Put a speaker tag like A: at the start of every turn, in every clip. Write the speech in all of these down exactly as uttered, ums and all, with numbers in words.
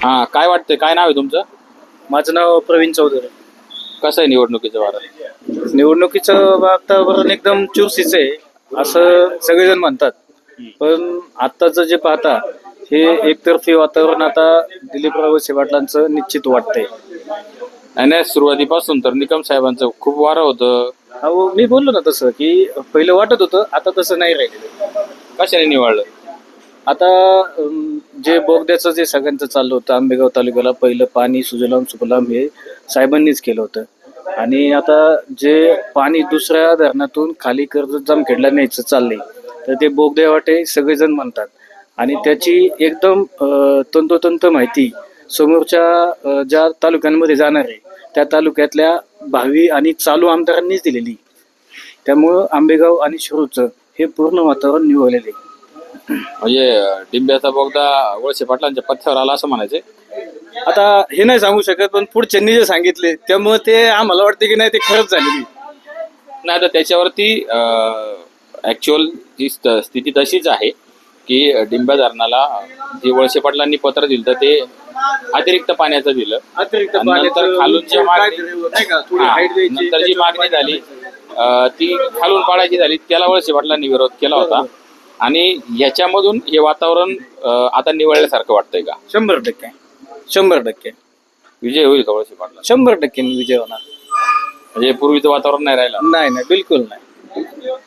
A: हा, काय वाटतंय? काय नाव आहे तुमचं?
B: माझं नाव प्रवीण चौधरी.
A: कसं आहे निवडणुकीचं वारं?
B: निवडणुकीचं वातावरण एकदम चुरशीचं आहे असं सगळेजण म्हणतात. पण आत्ताचं जे पाहता हे एकतर्फी वातावरण आता दिलीपराव वळसे पाटलांचं निश्चित वाटतंय.
A: आणि सुरुवातीपासून तर निकम साहेबांचं खूप वारं होतं.
B: अहो मी बोललो ना तसं की पहिलं वाटत होतं, आता तसं नाही राहिलेलं.
A: कशाने निवडलं?
B: आता अं, जे बोगद्याचं जे सगळ्यांचं चाललं होतं आंबेगाव तालुक्याला पहिलं पाणी सुजलाम सुफलाम हे साहेबांनीच केलं होतं. आणि आता जे पाणी दुसऱ्या धरणातून खाली कर्जत जामखेडला न्यायचं चाललंय तर ते बोगद्या वाटे सगळेजण म्हणतात. आणि त्याची एकदम अं, तंतोतंत माहिती समोरच्या अं, ज्या तालुक्यांमध्ये जाणार आहे त्या तालुक्यातल्या भावी आणि चालू आमदारांनीच दिलेली. त्यामुळं आंबेगाव आणि शिरूरचं हे पूर्ण वातावरण निवडलेलं आहे.
A: म्हणजे डिंब्याचा बोगदा वळसे पाटलांच्या पथ्यावर आला असं म्हणायचे.
B: आता हे नाही सांगू शकत, पण पुढच्यांनी जे सांगितले त्यामुळे ते आम्हाला वाटते की नाही ते खरंच झालेली.
A: नाही तर त्याच्यावरती ऍक्च्युअल जी स्त- स्थिती तशीच आहे की डिंब्या धरणाला जे वळसे पाटलांनी पत्र दिलं तर ते अतिरिक्त पाण्याचं दिलं.
B: अतिरिक्त
A: आणि नंतर खालून जी मागणी हा, नंतर जी मागणी झाली अं, ती खालून पाडायची झाली, त्याला वळसे पाटलांनी विरोध केला होता. आणि याच्यामधून हे वातावरण अं, आता निवडल्यासारखं वाटतंय का?
B: शंभर टक्के शंभर टक्के
A: विजय होईल का वळसे पाटला?
B: शंभर टक्के विजय होणार.
A: म्हणजे पूर्वीचं वातावरण नाही राहिलं.
B: नाही नाही बिलकुल नाही.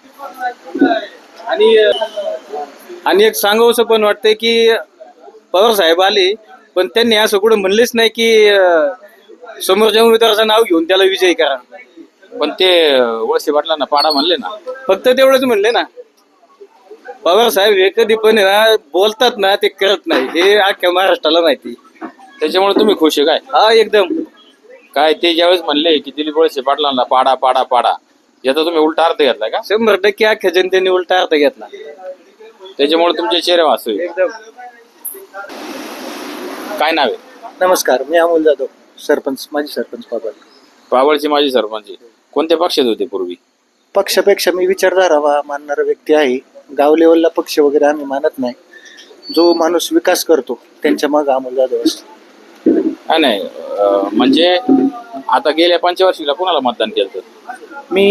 B: आणि आणि एक सांगावंसं पण वाटतंय की पवार साहेब आले पण त्यांनी असं कुठं म्हणलेच नाही की अं, समोरच्या उमेदवाराचं नाव घेऊन त्याला विजयी करा.
A: पण ते वळसे पाटलांना पाडा म्हणले ना.
B: फक्त तेवढंच म्हणले ना. पवार साहेब हे कधी पण आहे ना बोलतात ना ते करत नाही, हे अख्ख्या महाराष्ट्राला माहिती.
A: त्याच्यामुळे तुम्ही खुश आहे काय?
B: हा एकदम.
A: काय ते ज्यावेळेस म्हणले की दिलीप वळसे पाटलांना पाडा पाडा पाडा, याचा तुम्ही उलटा अर्थ घेतलाय का?
B: शंभर टक्के अख्ख्या जनतेने उलटा अर्थ घेतला.
A: त्याच्यामुळे तुमचे चेहरे वाचू.
B: एकदम.
A: काय नाव आहे?
B: नमस्कार, मी अमोल जाधव, सरपंच माजी सरपंच पाबळ.
A: पाबळचे माजी सरपंच. कोणत्या पक्षात होते पूर्वी?
B: पक्षापेक्षा मी विचारधारा मानणारा व्यक्ती आहे. गाव लेवलला पक्ष वगैरे आम्ही मानत नाही. जो माणूस विकास करतो त्यांच्या मग अमोल जाधव असतो.
A: काय नाही अं, म्हणजे आता गेल्या पंचवर्षीला कोणाला मतदान केलं?
B: मी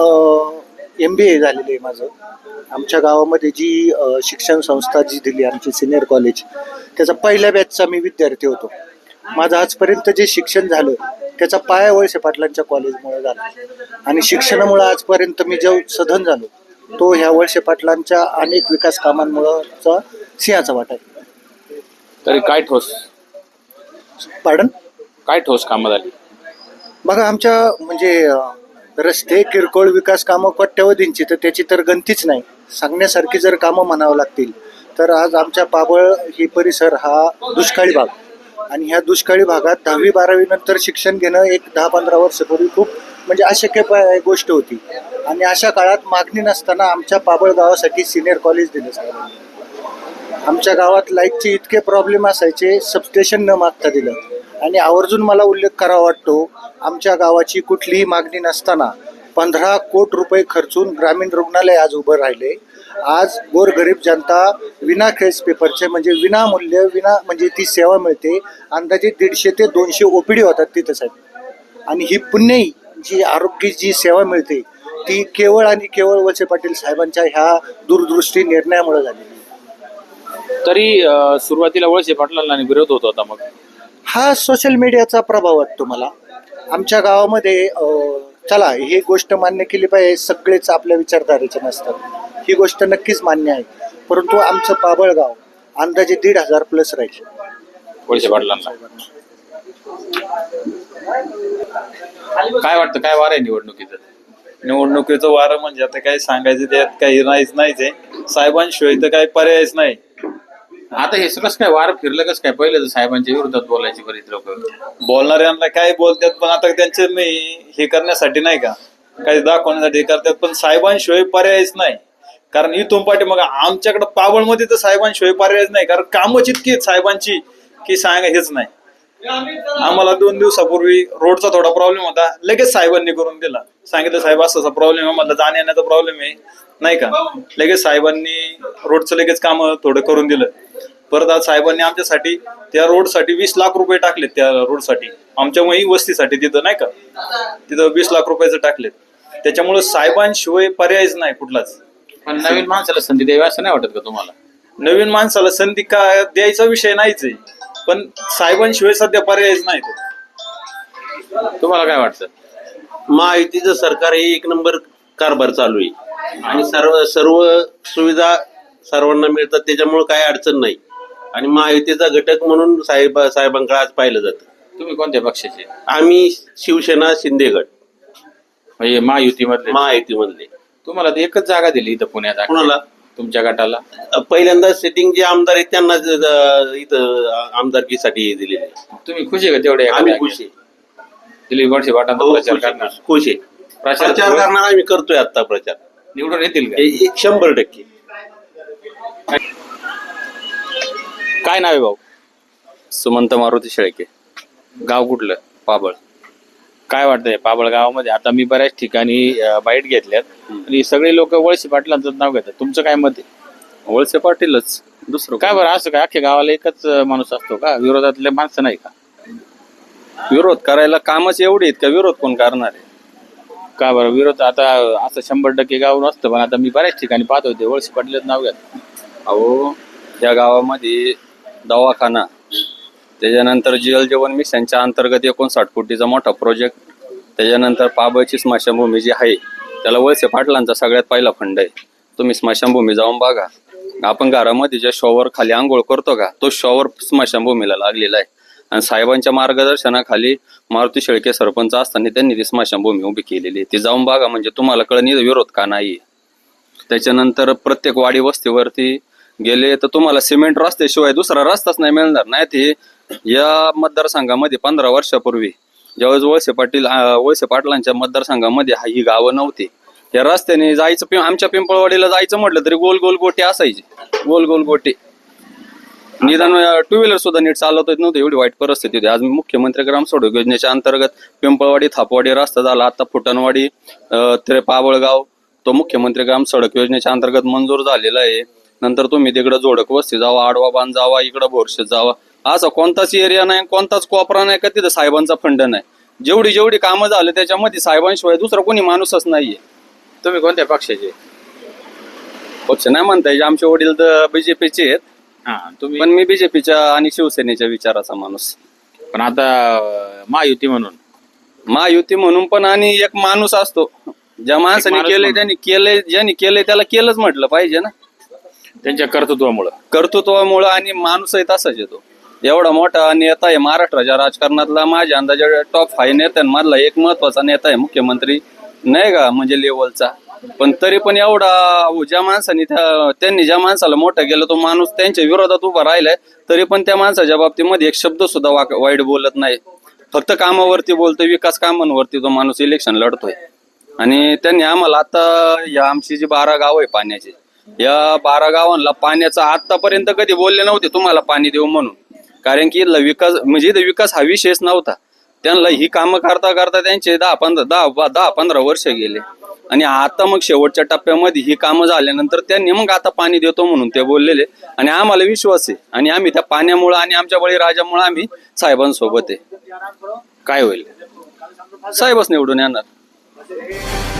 B: एम बी ए झालेलं आहे माझं. आमच्या गावामध्ये जी अ, शिक्षण संस्था जी दिली आमची सिनियर कॉलेज, त्याचा पहिल्या बॅचचा मी विद्यार्थी होतो. माझं आजपर्यंत जे शिक्षण झालं त्याचा पाया वळसे पाटलांच्या कॉलेजमुळे झाला. आणि शिक्षणामुळे आजपर्यंत मी जो सधन झालो तो ह्या वळसे पाटलांच्या अनेक विकास कामांमुळेचा सिंहाचा वाटा आहे.
A: तरी काय ठोस
B: पाडन
A: काय ठोस कामं झाली?
B: बघा आमच्या म्हणजे अ, रस्ते किरकोळ विकास कामं कोट्यवधींची तर त्याची तर गणतीच नाही. सांगण्यासारखी जर कामं म्हणावं लागतील तर आज आमच्या पाबळ ही परिसर हा दुष्काळी भाग. आणि ह्या दुष्काळी भागात दहावी बारावी नंतर शिक्षण घेणं एक दहा पंधरा वर्षापूर्वी खूप म्हणजे अशक्य प- गोष्ट होती. आणि अशा काळात मागणी नसताना आमच्या पाबळ गावासाठी सिनियर कॉलेज दिलं साहेबांनी. आमच्या गावात लाईटचे इतके प्रॉब्लेम असायचे, सबस्टेशन न मागता दिलं. आणि आवर्जून मला उल्लेख करावा वाटतो, आमच्या गावाची कुठलीही मागणी नसताना पंधरा कोटी रुपये खर्चून ग्रामीण रुग्णालय आज उभं राहिले. आज गोरगरीब जनता विना केस पेपरचे म्हणजे विनामूल्य विना म्हणजे ती सेवा मिळते. अंदाजे दीडशे ते दोनशे ओपीडी होतात तिथं साहेब. आणि ही पुण्यही जी आरोग्य जी सेवा मिळते ती केवळ आणि केवळ वळसे पाटील साहेबांच्या ह्या दूरदृष्टी निर्णयामुळे झालेली.
A: तरी अं, सुरुवातीला वळसे पाटलांना विरोध होत होता. मग
B: हा सोशल मीडियाचा प्रभाव वाटतो मला. आमच्या गावामध्ये अं, चला ही गोष्ट मान्य केली पाहिजे, सगळेच आपल्या विचारधारेचे नसतात, ही गोष्ट नक्कीच मान्य आहे. परंतु आमचं पाबळगाव अंदाजे दीड हजार प्लस राहील
A: वळसे पाटलांना. काय वाटतं, काय वार आहे निवडणुकीचं?
C: निवडणुकीचं वारं म्हणजे आता काही सांगायचं त्यात काही नाहीच नाहीच आहे. साहेबांशिवाय तर काही पर्यायच नाही.
A: आता हे कसं काय वार फिरलं कसं काय? पहिले तर साहेबांच्या विरोधात बोलायचे बरेच लोक.
C: बोलणाऱ्यांना काय बोलतात पण आता त्यांचे मी हे करण्यासाठी नाही का काही दाखवण्यासाठी हे करतात, पण साहेबांशिवाय पर्यायच नाही. कारण इथून पाठी मग आमच्याकडे पाबळमध्ये तर साहेबांशिवाय पर्यायच नाही, कारण कामच इतकी आहेत साहेबांची की सांगा हेच नाही. आम्हाला दोन दिवसापूर्वी रोडचा थोडा प्रॉब्लेम होता, लगेच साहेबांनी करून दिला. सांगितलं साहेब असा प्रॉब्लेम आहे, मला जाण्या येण्याचा प्रॉब्लेम आहे नाही का, लगेच साहेबांनी रोडचं लगेच काम थोडं करून दिलं. परत आज साहेबांनी आमच्यासाठी त्या रोडसाठी वीस लाख रुपये टाकलेत, त्या रोडसाठी आमच्या मही वस्तीसाठी तिथं नाही का, तिथं वीस लाख रुपयाचं टाकलेत. त्याच्यामुळे साहेबांशिवाय पर्यायच नाही कुठलाच.
A: पण नवीन माणसाला संधी द्यावी असं नाही वाटत का तुम्हाला?
C: नवीन माणसाला संधी का द्यायचा विषय नाहीच आहे, पण साहेबांशिवाय सध्या पर्यायच नाही तो.
A: तुम्हाला काय वाटतं?
D: महायुतीचं सरकार हे एक नंबर कारभार चालू आहे आणि सर्व सर्व सुविधा सर्वांना मिळतात, त्याच्यामुळे काही अडचण नाही. आणि महायुतीचा घटक म्हणून साहेब साहेबांकडे आज पाहिलं जातं.
A: तुम्ही कोणत्या पक्षाचे?
D: आम्ही शिवसेना शिंदे गट
A: म्हणजे महायुतीमधले?
D: महायुतीमधले.
A: तुम्हाला तर एकच जागा दिली इथं पुण्यात.
D: कुणाला?
A: तुमच्या गटाला.
D: पहिल्यांदा सेटिंग जे आमदार आहेत त्यांना ज- इथं आमदारकीसाठी दिलेले.
A: तुम्ही खुश आहे का तेवढे?
D: आम्ही खुश आहे.
A: दिलीप वळसे पाटलांचा प्रचार करणार?
D: खुश आहे.
A: प्रचार
D: प्रचार करणार आम्ही करतोय आता प्रचार.
A: निवडून येतील का?
D: हे एक शंभर टक्के.
A: काय नाव आहे भाऊ?
E: सुमंत मारुती शेळके,
A: गाव कुठलं?
E: पाबळ.
A: काय वाटतंय पाबळ गावामध्ये? आता मी बऱ्याच ठिकाणी अं, बाईट घेतल्यात आणि सगळे लोक वळसे पाटलांचं नाव घेतात. तुमचं काय मत आहे?
E: वळसे पाटीलच, दुसरं
A: काय बरं असं काय? अख्ख्या गावाला एकच अं, माणूस असतो का? विरोधातले माणसं नाही का?
E: विरोध करायला कामच एवढे आहेत का विरोध कोण करणार आहे?
A: का बरं विरोध? आता असं शंभर टक्के गाव नसतं, पण आता मी बऱ्याच ठिकाणी पाहत होते वळसे पाटलाचं नाव घेत.
E: अहो, या गावामध्ये दवाखाना, त्याच्यानंतर जल जीवन मिशनच्या अंतर्गत एकोणसाठ कोटीचा मोठा प्रोजेक्ट, त्याच्यानंतर पाबळची स्मशानभूमी जी आहे त्याला वळसे पाटलांचा सगळ्यात पहिला फंड आहे. तुम्ही स्मशानभूमी जाऊन बघा. आपण घरामध्ये ज्या शॉवर खाली आंघोळ करतो का, तो शॉवर स्मशानभूमीला लागलेला आहे. आणि साहेबांच्या मार्गदर्शनाखाली मारुती शेळके सरपंच असताना त्यांनी ती स्मशानभूमी उभी केलेली आहे. ती जाऊन बघा, म्हणजे तुम्हाला कळणी विरोध का नाही. त्याच्यानंतर प्रत्येक वाडी वस्तीवरती गेले तर तुम्हाला सिमेंट रस्त्याशिवाय दुसरा रस्ताच नाही मिळणार. नाही ते या मतदारसंघामध्ये पंधरा वर्षापूर्वी ज्यावेळेस वळसे पाटील वळसे पाटलांच्या मतदारसंघामध्ये ही गावं नव्हती, या रस्त्याने जायचं, पिं आमच्या पिंपळवाडीला जायचं म्हटलं तरी गोल गोल गोटे असायचे, गोल गोल गोटे. निदान टू व्हीलर सुद्धा नीट चालवता येत नव्हतं, एवढी वाईट परिस्थिती होती. आज मुख्यमंत्री ग्राम सडक योजनेच्या अंतर्गत पिंपळवाडी थापवाडी रस्ता झाला, आता फुटणवाडी ते पाबळगाव तो मुख्यमंत्री ग्राम सडक योजनेच्या अंतर्गत मंजूर झालेला आहे. नंतर तुम्ही तिकडं जोडक वस्ती जावा, आडवा बांध जावा, इकडं बोरशेत जावा, असा कोणताच एरिया नाही, कोणताच कोपरा नाही का तिथं साहेबांचा फंड नाही. जेवढी जेवढी कामं झाले त्याच्यामध्ये साहेबांशिवाय दुसरा कोणी माणूसच नाहीये.
A: तुम्ही कोणत्या पक्षाचे?
E: पक्ष नाही म्हणता येईल, आमचे वडील तर बीजेपीचे आहेत,
A: हा तुम्ही
E: पण मी बीजेपीच्या आणि शिवसेनेच्या विचाराचा माणूस.
A: पण आता अं, महायुती म्हणून
E: महायुती म्हणून पण आणि एक माणूस असतो, ज्या माणसाने
A: माणूस
E: केलंय
A: म्हणून.
E: त्यांनी केलंय, ज्यांनी केलंय त्याला केलंच म्हटलं पाहिजे ना.
A: त्यांच्या कर्तृत्वामुळं.
E: कर्तृत्वामुळं आणि माणूसही तसाच येतो. एवढा मोठा नेता आहे महाराष्ट्राच्या राजकारणातला, माझ्या अंदाजे टॉप फाईव्ह नेत्यांमधला एक महत्वाचा नेता आहे, मुख्यमंत्री नाही का, म्हणजे लेवलचा. पण तरी पण एवढा ज्या माणसाने त्या त्यांनी ज्या माणसाला मोठं केलं तो माणूस त्यांच्या विरोधात उभा राहिलाय, तरी पण त्या माणसाच्या बाबतीमध्ये एक शब्द सुद्धा वाक वाईट बोलत नाही, फक्त कामावरती बोलतोय, विकास कामांवरती तो माणूस इलेक्शन लढतोय. आणि त्यांनी आम्हाला आता या आमची जी बारा गाव आहे पाण्याची, या बारा गावांना पाण्याचा आतापर्यंत कधी बोलले नव्हते तुम्हाला पाणी देऊ म्हणून, कारण की इथला विकास म्हणजे इथं विकास हा विषयच नव्हता. त्यांना ही कामं करता करता त्यांचे दहा पंधरा दहा दहा पंधरा वर्ष गेले आणि आता मग शेवटच्या टप्प्यामध्ये ही कामं झाल्यानंतर त्यांनी मग आता पाणी देतो म्हणून ते बोललेले. आणि आम्हाला विश्वास आहे आणि आम्ही त्या पाण्यामुळे आणि आमच्या बळीराजामुळे आम्ही साहेबांसोबत आहे.
A: काय होईल?
E: साहेबच निवडून येणार.